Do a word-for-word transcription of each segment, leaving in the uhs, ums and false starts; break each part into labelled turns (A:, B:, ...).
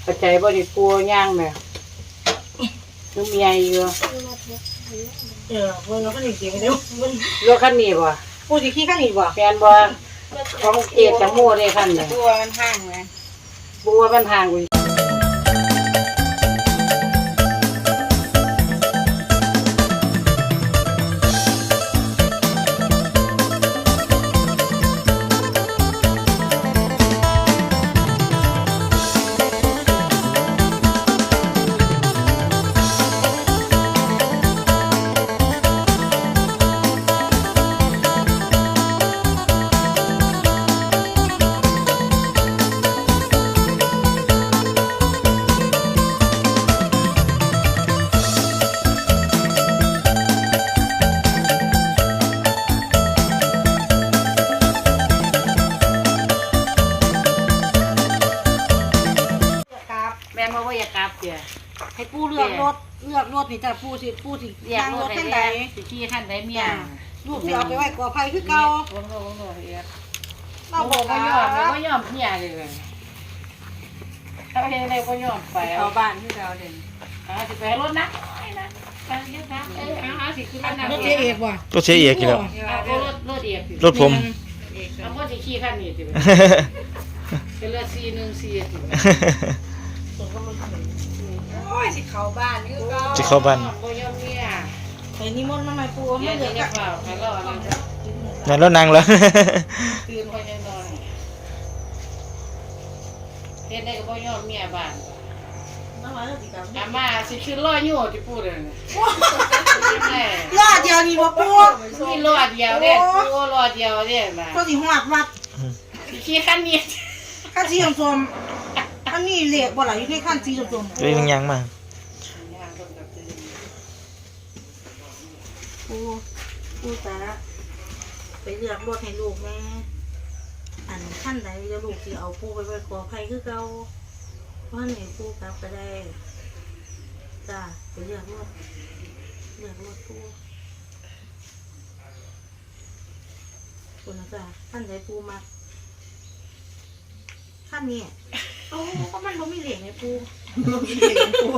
A: ปัจจัยบ่ได้ปูย่างแม่นุ่มใหญ่อยู่
B: เออเบิ่งแล้วก็นี่สิเดี๋ยว
A: รถคันนี้บ่
B: ปูสิขี่คันนี้บ่
A: แฟนบ่ของเกียรติจังโม่ได้คันนี้
B: ตัวมันห่างแหม
A: ปูว่ามันห่างอยู่แม่นบ่ว่าอยากกลับเด้อ
B: ให้ปูเลือกรถเลือกรถนี่จ้ะปูสิปูสิ
A: อยากรถคันใดสิขี่คันใดเมีย
B: ลูกสิเอาไปไว้กอไผ่คือเก่า
A: บ่บ่บ่เฮ็ด
B: เราบ่
A: บ่ยอมบ่ยอมเมียเลยเอาเฮ็ดได้บ่ยอมไป
B: เข้าบ้านคือเก่าเด่น
A: อ่าสิไปรถนะไปนะไปเฮ็ดนะเอ้ยเอาสิขึ้นนั่น
B: รถเจ๊เอกบ่
C: รถเสียเอกอยู่แล้ว
A: เอารถรถเอก
C: รถผม
A: เอาบ่สิขี่คันนี้สิเป็นเลือดสี่หนึ่งสี่สิ
B: โอ้ยสิเข้าบ้านคือเก่า
C: สิเข้าบ้าน
A: บ่ยอมเมีย
B: ไปนิมนต์มาใหม่ปู
A: เมี
B: มั
A: ย
B: นเหลื
A: นี่
B: อ
A: จะเฝ้าให้รอนั่นจ้ะ
C: นั่นแล้วนั่งแล้ว
A: ตื่นค่อยจะนอนเฮ็ดได้ก็บ่ยอมเมียบ้าน
B: มาว่าสิกลับ
A: อามาสิขึ้นรออยู่ที่พูดนั่นน่ะแม่
B: รอดเดียวนี่บ่ปู
A: มีรอเดียวเด้ปูรอเดียวเด้มา
B: ก็สิฮอดวัด
A: สิขี่คันนี้
B: คันสีส้มๆอันนี้เหล็กบ่ล่ะอยู่ในคันสีส้มๆ
C: เรื่องยังมา
B: ปูปูตาไปเลือกรถให้ลูกแม่อันขั้นใดจะลูกสิเอาปูไปไว้กอไผ่คือเก่าเพราะนี่ปูกลับก็ได้จ้าไปเลือกรถเลือกรถปูปูนะจ้าขั้นใดปูมักขั้นนี้โอ้ก็มันบ่มีเหล็กไงปูบ่มีเหล็กปู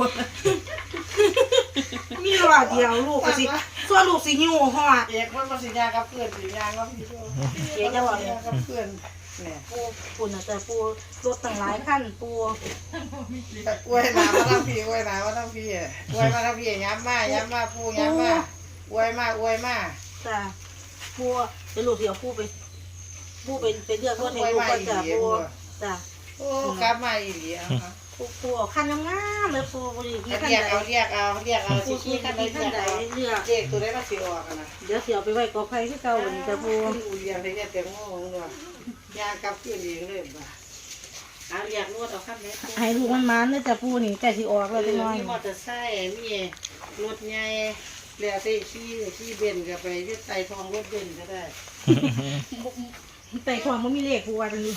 B: มีรอดเดียวลูกก็สิส่วนลูกสิหิวฮอด
A: เอกมันบ่สิยากับเพื่อนสิยากับพี่เอกจะว่ากับเพื่อนแหน่
B: ปูปูนะแต่ปูรถตั้งหลายขั้นปู
A: อวยหนามาทั้งพี่อวยหนามาทั้งพี่อวยมาทั้งพี่ย้ำมาย้ำมาปูย้ำมาอวยมาอวยมา
B: จ้ะปูเดี๋ยวลูกสิเอาปูไปปูไปไปเลือกรถให้ลูกก่อนจ้ะปูจ้ะ
A: โอ้กลับมาอีหลีอ่ะ
B: ปูปูเอาขั้นงามๆเลยปูบ่ได้กี่ขั้น
A: เรียก
B: ใด
A: เอาเรียกเอาเรียกเอาสิ
B: ปู
A: ขี้
B: ขี้
A: คั
B: ขั้
A: น
B: น
A: ใด
B: ใด
A: เรียก
B: ขั้นใดเลือก
A: เด็กตัวได้มาสิออกนะ
B: เดี๋ยวสิเอาไปไว้กอไผ่คือเก่าบัดนี้จ้ะปู
A: อูเรียนได้แต่โง่เนาะยากับเพื่อนเองเลยบ่เอาเรียกนวดเอาคันไหน
B: ให้ลูกมันมันเด้อจ้ะปูนี่ใกล้สิออกแล้วจังน้อย
A: มีมอเตอร์ไซค์มีรถใหญ่แล้วแต่ขี่ขี่เบนก็ไปยึดไต่ทองรถเบนก็ได้
B: แต่ของมันมีเลขปูว่าจังนี้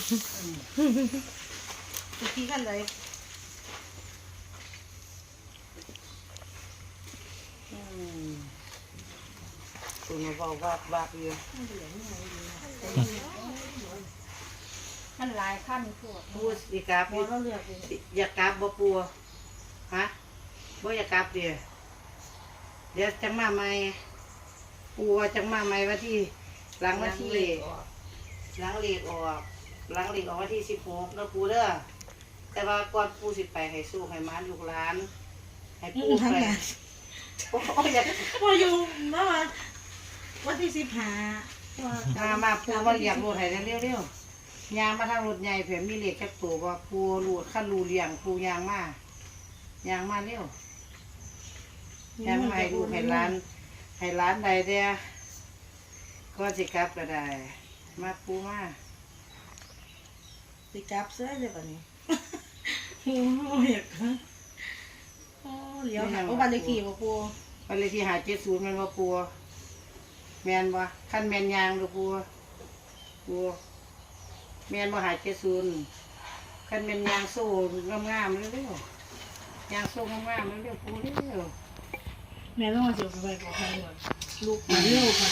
B: สิขี้ขั้นใด
A: อืมตัวมาบอกวาดวาดอยู่
B: ขั้นหลายขั้นพวก
A: พูดสิกราบ
B: พอเราเลือกเอง
A: อยากกราบบ่ปัวฮะบ่อยากกราบเดี๋ยวเดี๋ยวจังมาใหม่ปัวจังมาใหม่วันที่หลังวันที่หลังเลขออกหลังเลขออกวันที่สิบหกแล้วปูเด้อแต่ว่าก่อนปูสิไปให้สู้ให้มานลูกหลานให้ปูไปโอ้ยอยาก
B: พออยู่มาวันที่สิบห้า
A: มามาปูมาเลี้ยงรถให้เร็วๆยางมาทางรถใหญ่เผื่อมีเลขแค่ตัวว่าปูรูดขั้นรูเลี้ยงปูยางมายางมาเร็ว ยามให้ลูกให้ร้านให้ร้านใดเดียก็สิกลับก็ได้ มาปูมา
B: สิกลับเสื้อเลยป่ะนี่โอ้ยโอ้เลี้ยวหาโอ้บ้านเลขที่บ่ปู
A: วันเลยที่หาเจ็ดศูนย์มันว่าปูแมนบ่ขั้นแมนยางดูปูปูแมนบ่หาเจ็ดศูนย์ขั้นแมนยางโซ่งามๆเร็วๆยางโซ่งามๆเร็วๆปูเร็ว
B: แม่ต้องมาเสียไปบอกให้ก่อนลูกมาเร็วค่ะ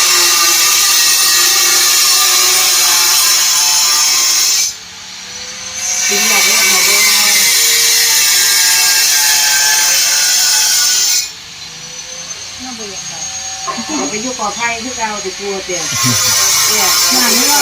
A: ๆจะไปอยู่ก่อไผ่คือเก่าติปูเตี้ยเนี่ย
B: งานนี้ว่า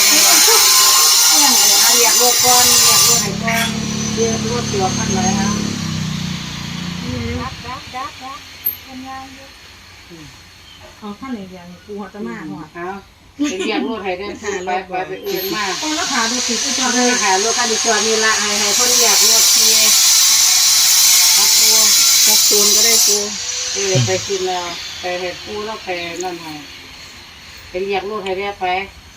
A: เรียกรถก่อนเรียกรถไหนก่อนเรียกรถตัวขั้นเลยครับดักดักดักดักทำงานอยู่
B: เอาขั้นไหนอย่างกูหัวตะมาหัว
A: เอาไปเรียกรถให้เดินทางไปไปไปเอื่นมาก
B: ต้องราคาดูสิจอ
A: เล
B: เลย ย
A: ค่ะรถคันนี้จอดนี่ละให้ให้คนเรียกรถเทียครับปู
B: หกศูนย์ก็ได้กู
A: เออไปกินแล้วไปให้ปูแล้วไปนั่นให้ไปเรียกรถให้ได้ไป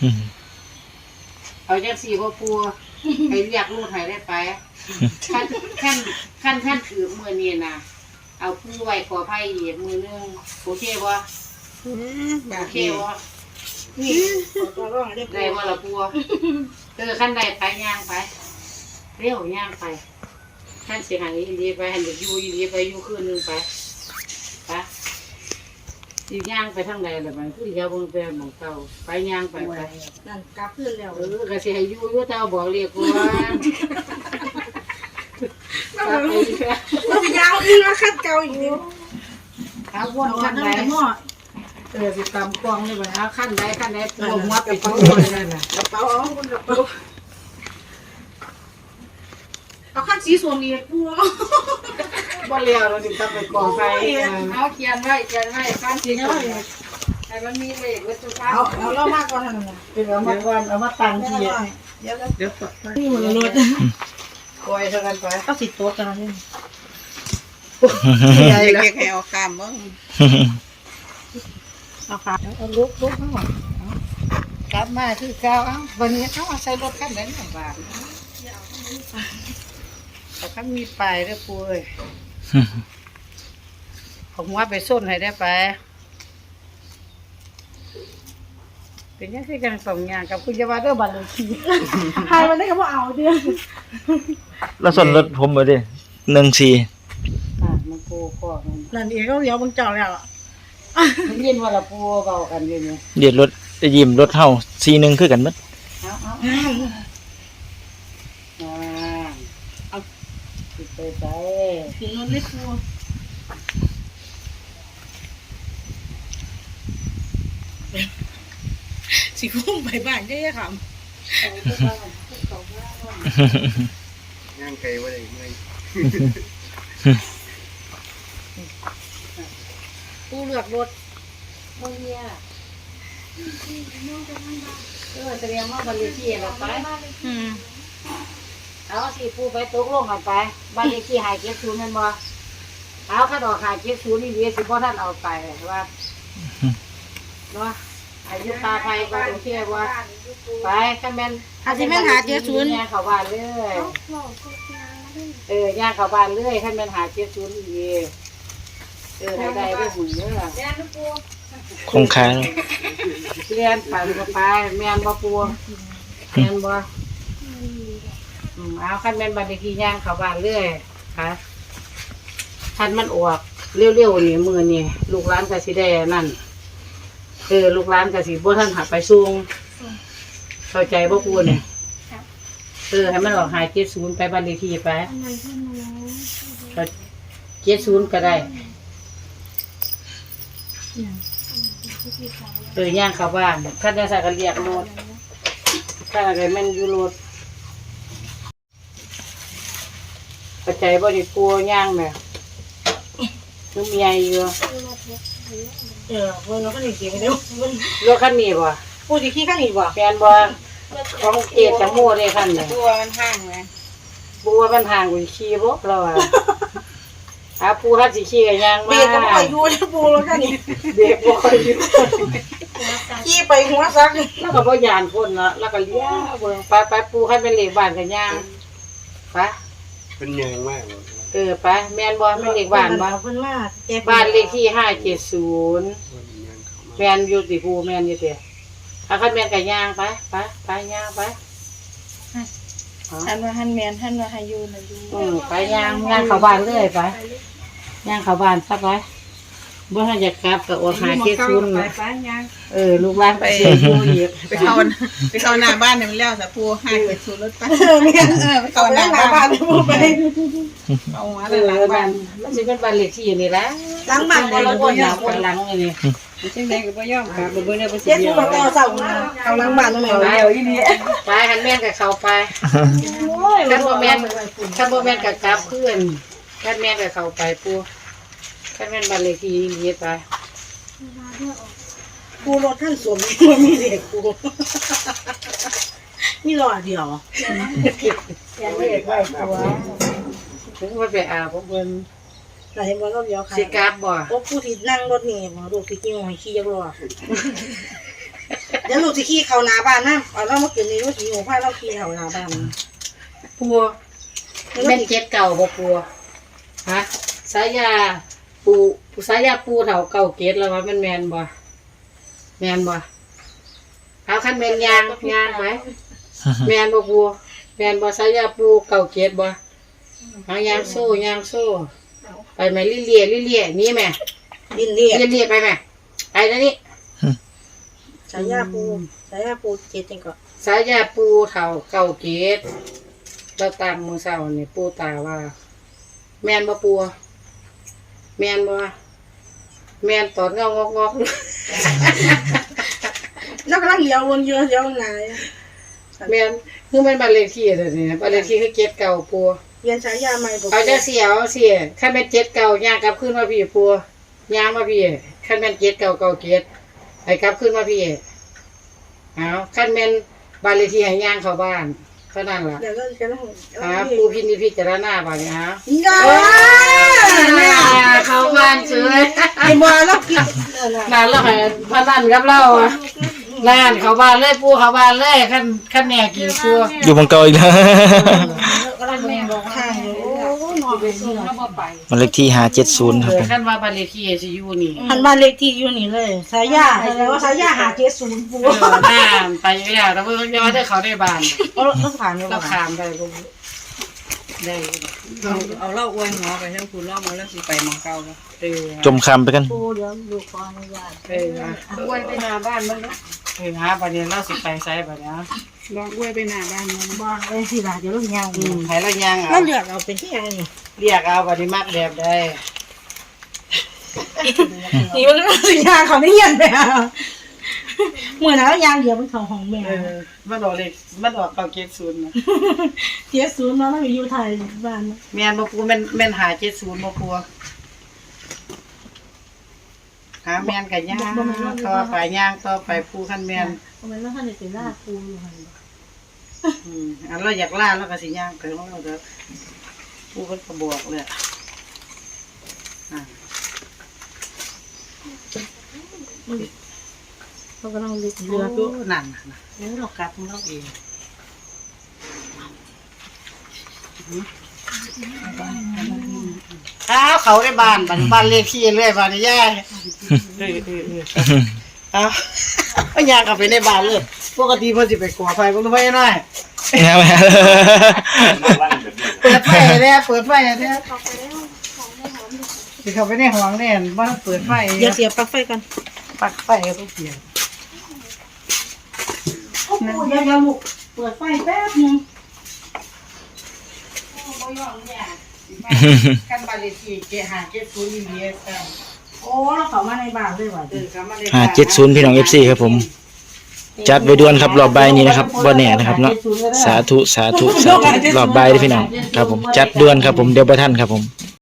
A: เอาจังสี่พ่อปูไปเรียกรถให้ได้ไปขั้นขั้นขั้นขั้นถือมือนี่นะเอาปูไว้ขอไผ่อีกมือนึงโอเคบ่โอเคบ่
B: นี่ตัวร้องได้
A: ได้บ่ละปูเออขั้นใดไปย่างไปเร็วย่างไปขั้นเสียหายอีดีไปหันเดี๋ยวอยู่อีดีไปอยู่คืนนึงไปไปสิย่างไปทางใดล่ะมันคืออย่าเบิ่งแต่หม่องเก่าไปย่างไปไป
B: นั่นกลับขึ้นแล้ว
A: เออก็สิให้อยู่อยู่แต่เอาบอกเรียกว่าไปอีกแล้ว
B: มันจะยาวอีกแล้วขั้นเก่าอีกนิด
A: เอาวนขั้นใด
B: หม้อ
A: เออสิตำกวางเลยบ่เอาขั้นใดขั้นใดปูหัวไปทุกคนนั่นน่ะ
B: กระเป๋าเอาบนกระเป๋าเอาขั้นสีส้มอีกกู
A: บ่เลี้ยวเราถึงต้องไปก่อไฟเอาเขียนไว้เขียนไว้ขั้นสิเนาะให้มันมีเลขไว้ทุกครั้ง
B: เอาเอาเล่ามากก่อนทำไง
A: เป็นเอามาก่อนเอามาตั้งที่
B: เดี๋ยว
A: เดี๋ยว
B: นี่หมดรถ
A: ปล่อยเท่ากันไป
B: ก็สิตัวกันนี่
A: ใหญ่แล้ว
B: แค่เอาคามมั้งเอาค่ะเอาลุกลุกทั้งหมด
A: กลับมาคือเก่าเอ้าวันนี้เขาเอาใส่รถคันไหนหน่อยบาทแต่คันมีป้ายเด้อปูเอ้ยผมว่าไปส้นให้ได้ไปเป็นยังไงกันสองอย่างกับคุณยาวาเด้อบัตรเลยที
B: ใครมันได้คำว่าเอาเดือน
C: แล้วส่วนรถผมมาดิหนึ่งสี่
A: อ่ะมันปูคอมัน
B: นั่นเองก็เดี๋ยวมึงเจ้าแล้ว
A: มันยินว่าละปูเบากันอยู่นี่
C: เดียดรถจะยิ้มรถเฮาสี่หนึ่งคือกันหมั้
A: เอาเอาอ่าเอาสิไปไป
B: ถึงรถเล็กกูสิคุ้มไปบ้านได้ยังค
A: เอาไปบ้านเอาไปบ้าน
D: ย่างไก่ว่าได้ไง
A: ปูเลือกรถโมเนียเออแสดงว่าบันเลขที่เราไป
B: ำอืม
A: เอาสิปูไปตกลงกันไปบันเลขที่หายเก็บศูนย์แมันบ่เอาข้าดอกหายเก็บศูนย์นี่เดียวสิบ่ท่านเอาไปว่าเนาะอายุตาไฟก็โอเคว่าไปข้าแม่นย่างเข้าบ้านเลยเออย่างเข้าบ้านเลยข้าแม่นหาเก็บศูนย์อีกเออได้ได้ได้หุ่นเด้อ
C: คงคาแล้ว
A: เรียนไปก็ไปแม่นบ่ปูแม่นบ่อืมเอาคันแม่นบัดนี้ที่ย่างเข้าบ้านเรื่อยค่ะคันมันออกเร็วๆนี่มื้อนี่ลูกหลานก็สิได้นั่นเออลูกหลานก็สิบ่ทันหาไปส่งเข้าใจบ่ปูเนี่ยเออให้มันออกหาเจ็ดศูนย์ไปบ้านเลขที่ไปก็เจ็ดศูนย์ก็ได้เออย่างเข้าบ้านคันจะใส่กันเรียกรถคันอะไรมันอยู่รถปัจจัยบ่ได้กลัวย่างแม่คือมีใหญ่อยู่
B: เออวันนั้นก็หนีเสียงเดียว
A: รถคันนี้บ่
B: พูดสิขี้ข้างหนีบ่
A: แฟนบ่ของเกตจังโม่ได้คันนี้
B: ตัวมันห่างไง
A: ปูว่ามันห่างกว่าขี่บ่เราอ่ะอาปูฮัดสิขี่กันย่าง
B: เบร
A: มาก
B: ก็ไม่ค่อยอยู่แล้วปูแล้วกันนี่
A: เบรกบ่ค่อยอยู่
B: ขี้ไปหัวซัก
A: แล้วก็บ่ยานพ้นเนาะแล้วก็เลี้ยวเบิ่งไปไปปูคันเป็นเลขบ้านกันย่างไป
D: เป็นยังมากเลย
A: เออไปแม่นบ่แม่นเลขบ้านบ่
B: เพิ่นมาแก
A: บ้านเลขที่ห้าเจ็ดศูนย์
D: วันย่างเขามา
A: แม่นอยู่ติปูแม่นอยู่ติถ้าคันแม่นก็ย่างไปไปไปย่างไป
B: ท่านว่าท่านแมนท่านว่าให้อยู่นะอยู่
A: อืมไปย่างย่างเข้าบ้านเลยไปย่างเข้าบ้านซะไปบ่ทันจะกลับก็อดหาเจ็ดศูนย์
B: ไป
A: เนาะ
B: ไปยัง
A: เออลูกหลานไปเสียอยู่อีก
E: ไปเข้าไปเข้าหน้าบ้านเนี่ยมันแล้วแต่ปูให้ไปสู่รถไป
B: เออเนี่ยเออไปเข้าหน้าบ้านปูไป
E: เอาหัว
A: เอ
E: หลั
A: อง
E: บ้า
A: บ้าน นมันสิเป็นบ้านเลขที่นี่แหละ
B: ล้างบ้าน
A: บ่
B: เลย
A: ละ
B: บ่
A: คนห
B: ยา
A: น้าก คนหลังนี่
E: จังได๋ก็บ่ยอมกลับบ่เบิ่งได้บ่สิ
B: เจ็ด
E: เดี
B: ศู
E: ย
B: น
E: ว
B: ย์มาต่อเสาเอาหลังบ้านตรงไหน
E: เดียวอีนี่
A: ไปหันแม่นกับเขาไปคันบ่แม่นคันบ่แม่นกับกลับเพื่อนคันแม่นกับเขาไปปูคันแม่นบ้านเลขที่นี้ไป
B: กูรถท่านสวมมันมีเด็กกูมีหลอดเดียว
A: ยังเลขไว้ตัวผมว่าไปอาบเพิ่น
B: แต่เห็นว่าเราเดียวค่ะ
A: สิกลับบ่
B: โอ้ผู้ที่นั่งรถนี่บ่ลูกที่ขี่หอยขี่ยักษ์รอเดี๋ยวลูกที่ขี่เข้าหน้าบ้านนะเอาเรามากินนี่ลูกขี่หัวผ้าเราขี่เข้าหน้าบ้าน
A: ปูแม่นเจ็ดเก่าบ่ปูฮะสายาปูสายาปูเฒ่าเก่าเกตแล้วว่ามันแม่นบ่แม่นบ่เอาคันแม่นยางยางไหมแม่นบ่ปูแม่นบ่สายาปูเก่าเกตบ่เอายางโซ่ยางโซ่ไปไหมลิเลียลิเลียนี่แม่
B: ดินเรีย
A: ลิเลียไปแม่ไปนะนี่
B: สายยาปูสายยาปูเจ็ดจังก็
A: สายาปูเฒ่าเก่าเกตเราตามมือเช้านี่ปูตาว่า แม่นบ่ปูแม่นบ่แม่นตอดเงางอกงอก
B: แล้วกำลังเลี้ยววนเยอะเลี้ยวไหน
A: แม่นคือมันบ้านเลขที่เด้อนี่บ้านเลขที่คือเกตเก่าปู
B: เรียนสายยาใหม่บ่
A: เอาจังเสียเอาเสียคันแม่นเจ็ดเก่าย่างกลับขึ้นมาพี่ปูย่างมาพี่คันแม่นเจ็ดเก่าเก่าเกตให้กลับขึ้นมาพี่เอาคันแม่นบ้านเลขที่ให้ย่างเข้าบ้านเท่านั้นล่ะ
B: เดี๋ยวเราจะต้อง
A: หาปูพินิจพิจารณาบ้านนี้ฮะ
B: ยา
A: เข้าบ้านเฉย
B: ไอ้บัวเรากิน
A: นานแล้วให้พนันกับเราอ่ะนานเข้าบ้านเลยปูเข้าบ้านเลยคันคันแม่กินปู
C: อยู่บังเก่าอีกแล้ว
B: กำลังแม่บอกทางอยู่โอ้นอนไปเสือ
A: แล้วบ่ไป
C: มันเลขที่ห้าเจ็ดศูนย์ครับผม
A: คันว่าบ้านเลขที่สิอยู่นี่
B: หันบ้านเลขที่อยู่นี่เลยสายยาแสดงว่าสายยาหาเจ็ดศูนย์ปู
A: เออหน้าไปแล้วแต่ว่ายังว่าได้เขาได้บ้าน
B: เราต้องผ่านเลย
A: เราขามได้ลูกได้
E: เอาเอาเหล้าอวยหัวไปให้คุณเหล้ามาแล้วสิไปหมองเก่าบ่
A: เออ
C: จมคำไปกัน
B: ปูเดี๋ยวดูขออนุญาต
A: เอออ้วนไปหน้าบ้านมันเนาะเออหาบัดนี้เราสิไปไสบัดนี้
E: ลองอวยไปหน้าบ้านมัน
B: บ้านเลยสิล่ะเดี๋ยวเรายาว
A: อืมให้เราย่าง
B: เรา
A: เอา
B: เลือกเอาเป็นที่ยังนี่
A: เรียกเอาบัดนี้มักแบบได้
B: นี่มันสิยาเขาได้ยันไปอ่ะเมื่อนั้นยางเดียวเป็นของของแม่
A: เออมันออกเลขมันออกเก้าเจ็ดศูนย์นะ
B: เจ็ดศูนย์เนาะเราอยู่ไทยบ้าน
A: แม่นบ่ปูแม่นแม่นหาเจ็ดศูนย์บ่ปูหาแม่นก็ย่างต่อไปย่างต่อไปปูคันแม่น
B: ทำไมเราท่านได้เป็นลาปูอยู่หั่น
A: อืมอันเราอยากล่าแล้วก็สิย่างไปของเราเด้อปูเพิ่นก็บอกเลยอะอ่า
B: เขากำลังเลือก
A: เรื
B: เรืออ
A: ก็นั่นน่ะนะเออเรากลับของเราเองอ้าวเขาได้บ้านบ้านบ้านเลขที่เรื่อยบ้านนี่ย่ายเออเออเออเอาเอาย่างกลับไปในบ้านเลยปกติเพิ่นสิไปก่อไฟเพิ่นรู้ไว้หน่อย
C: เนี่ยแม่
A: เปิดไฟเลยเปิดไฟเลยสิเข้าไปในห้องแน่นบ่เปิดไฟ
B: เดี๋ยวเสียบปลั๊กไฟกัน
A: ปลั๊กไฟก็ต้องเปลี่ยน
B: โอ้โหเดี๋ยวเดี๋ยวลูกเปิดไฟแป๊บนึง
A: กันบาลีทีเกหาเกศูนย์เลียกัน
B: โอ้เราเข้ามาในบ้านเลยว่ะ
A: เออเข้ามาใน
C: ห้าเจ็ดศูนย์พี่น้องเอฟซีครับผม จัดไว้ด่วนครับรอบใบายนี้นะครับบ่แน่นะครับเนาะสาธุสาธุสาธุรอบใบายเด้อพี่น้องครับผมจัดด่วนครับผมเดี๋ยวบ่ทันครับผม